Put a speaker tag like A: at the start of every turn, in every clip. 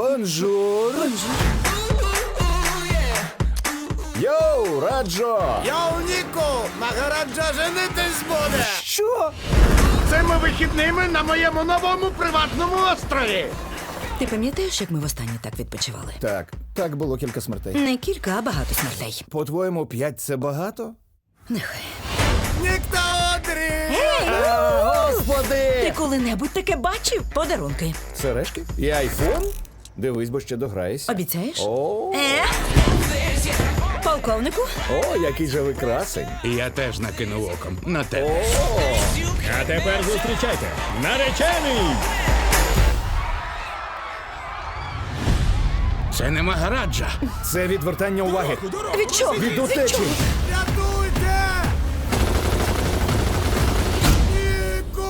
A: Бонжур! Йоу, Раджо!
B: Йоу, Ніку! Магараджа женитись буде!
A: Що?
B: Цими вихідними на моєму новому приватному острові!
C: Ти пам'ятаєш, як ми востаннє так відпочивали?
A: Так було кілька смертей.
C: Не кілька, а багато смертей.
A: По-твоєму, 5 це багато?
C: Нехай.
B: Ніхто одрі!
A: Господи!
C: Ти коли-небудь таке бачив? Подарунки.
A: Сережки? І айфон? Дивись, бо ще дограєшся.
C: Обіцяєш?
A: О,
C: Полковнику?
A: який же ви красень.
D: Я теж накинув оком на тебе.
E: А тепер зустрічайте. Наречений!
D: Це не Магараджа.
A: Це відвертання уваги.
C: Від чого?
A: Від утечі.
B: Рятуйте! Ніку!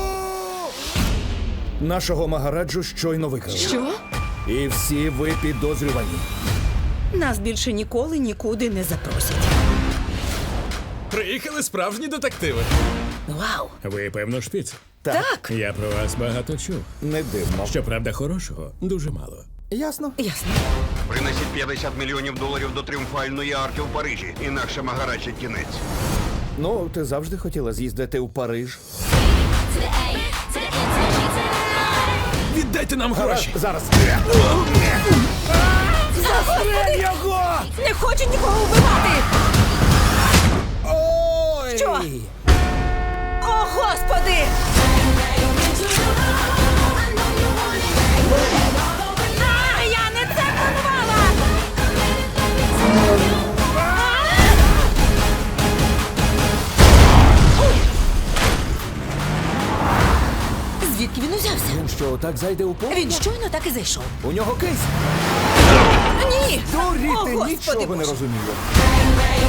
A: Нашого Магараджу щойно викрали.
C: Що?
A: І всі ви підозрювані.
C: Нас більше ніколи нікуди не запросять.
E: Приїхали справжні детективи.
C: Вау!
E: Ви, певно, шпіц.
C: Так.
E: Я про вас багато чув.
A: Не дивно.
E: Щоправда, хорошого дуже мало.
A: Ясно.
C: Ясно.
F: Принесіть 50 мільйонів доларів до тріумфальної арки в Парижі, інакше Магараджа кінець.
A: Ну, ти завжди хотіла з'їздити у Париж.
E: Віддайте нам гроші!
A: Зараз. Застрель його!
C: Не хочу нікого вбивати!
A: Ой!
C: Що? О, Господи! Я не це планувала! Звідки він узявся?
A: Він що, так зайде у поле?
C: Він щойно так і зайшов.
A: У нього кейс.
C: Ні!
A: Дурі,
C: О,
A: ти
C: Господи
A: нічого не
C: Боже!
A: розуміє.